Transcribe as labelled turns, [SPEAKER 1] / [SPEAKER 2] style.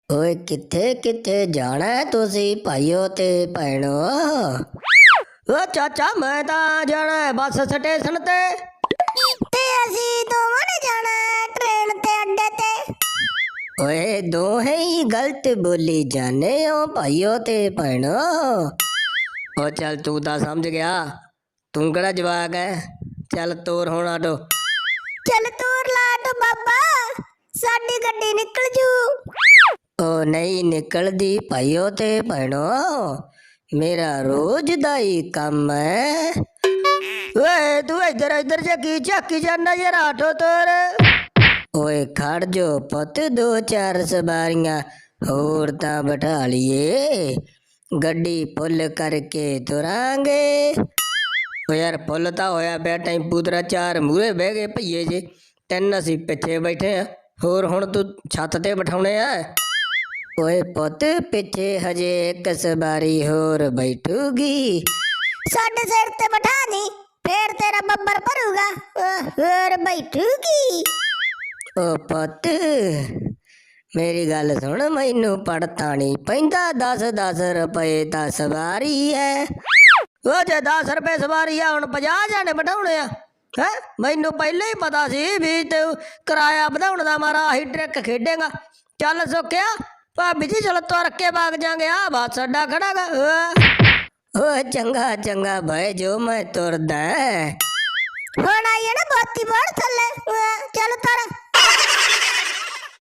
[SPEAKER 1] ओए किथे किथे जाना है तुसी भाइयों ते भैणो। ओ चाचा मैं तो जाना है बस स्टेशन ते।
[SPEAKER 2] ते ਅਸੀਂ ਦੋਵਾਂ ਨੇ ਜਾਣਾ ਹੈ ट्रेन ते अड्डे ते।
[SPEAKER 1] ओए दोहे ही गलत बोली जाने हो भाइयों ते भैणो। ओ चल तू तो समझ गया, तू केड़ा जवाक है। चल तोर होना आटो।
[SPEAKER 2] चल तूर ला तो बाबा, साडी गड्डी निकल जू।
[SPEAKER 1] ओ नहीं निकलदी भाइयों ते भैणो, मेरा रोज दा ही काम है। वे तू इधर इधर जगी झाकी जाना यार आटो तोर। ओए खड़ जो पुत, दो चार सवारियां होर तां बैठा लिये, गड्डी फुल करके तुरांगे। ओ यार फुल तां होया पिया टेंपू तेरा, चार मूरे बह गए भईए जे, तीन असी पिछे बैठे आ, होर हुण तू छत ते बिठाउणे आ। ओए पुत पिछे हजे एक सवारी होर बैठूगी।
[SPEAKER 2] साडे सिर ते बैठा दी, फिर तेरा बब्बर भरूगा और बैठूगी।
[SPEAKER 1] ओ पुत मेरी गल सुन, मैनू पड़ता नहीं पैंदा, 10-10 रुपए ता सवारी है। ओ जे 10 रुपए सवारी है हुण 50 जाने बिठाउणे आ है। मैनू पहले ही पता सी भी तू किराया वधाउण दा मारा आही ट्रिक खेडेगा। चल सुखिया भाभी जी चल तुर के भाग जाएंगे, आ बस अड्डा खड़ा गा। ओ चंगा चंगा भाई जो मैं तुरदा।
[SPEAKER 2] हुण आई है ना बोती बोड़ थल्ले, चल तर।